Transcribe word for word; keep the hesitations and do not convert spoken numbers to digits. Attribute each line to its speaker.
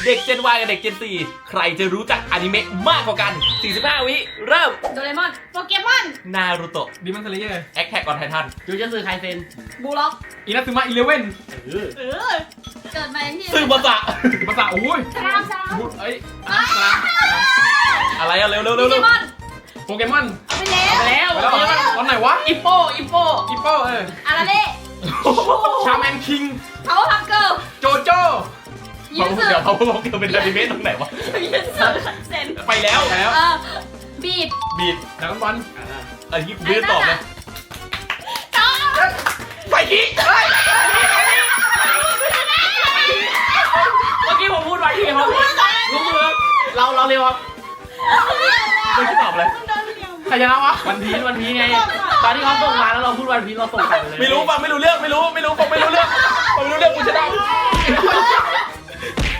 Speaker 1: เด็ก Gen Y กับเด็ก Gen สี่ใครจะรู้จักอนิเมะมากกว่ากันสี่สิบห้าวิเริ่ม
Speaker 2: โดเรมอนโปเกมอน
Speaker 1: นารูโตะ
Speaker 3: ดิมันสเลเยอร์
Speaker 1: แอคแท็กออนไททัน
Speaker 4: จูจันสึไคเซน
Speaker 2: บูล็อก
Speaker 3: อินาซึมะอีเลเว่น
Speaker 4: เออ
Speaker 2: เออเกิดมาที่
Speaker 1: ซึบะสะ
Speaker 3: ภาษาโอ้ย
Speaker 2: ชรามชราม
Speaker 3: บุเอ้ยอ่ะสลาม
Speaker 1: อะไรอะเร็วเร็ว
Speaker 2: โป
Speaker 1: เร็ว
Speaker 2: เก
Speaker 1: เร็ว
Speaker 2: มอน
Speaker 3: โปเกมอน
Speaker 2: เอาไปแล้ว
Speaker 4: แล้ว
Speaker 3: ไปแล้วเหรอตอนไหนวะ
Speaker 4: อิปโปอิปโป
Speaker 3: อีโป้เออ
Speaker 2: อาราเล่
Speaker 3: ชาแมนคิง
Speaker 2: พาวเวอร์พับเกิล
Speaker 3: โจโจ้
Speaker 2: ยูสึ
Speaker 1: เดี๋ยวเขาบอกเกิดเป็นอนิเมะตรงไหนวะ
Speaker 2: ยูสึเซน
Speaker 1: ไปแล้ว
Speaker 3: ไปแล้ว
Speaker 2: เออบีด
Speaker 1: บีด
Speaker 3: ดราก้อนบอล
Speaker 1: อันนี้กูไม่ได้ตอบเลย
Speaker 2: ต่อ
Speaker 1: ไปกี้เฮ้ย
Speaker 4: เมื่อกี้ผมพูดไว้ที่ครับรู้มือเราเราเร็วครับ
Speaker 1: ไม่ได้ตอบเลย
Speaker 3: ใครชนะวะ
Speaker 4: วันพีชวันพีชไง ตอนที่เขาส่งมาแล้วเราพูดวันพีชเราส่งกลับไปเลย
Speaker 1: ไม่รู้ฟังไม่รู้เรื่องไม่รู้ไม่รู้ฟังไม่รู้เรื่องฟังไม่รู้เรื่องกูชนะ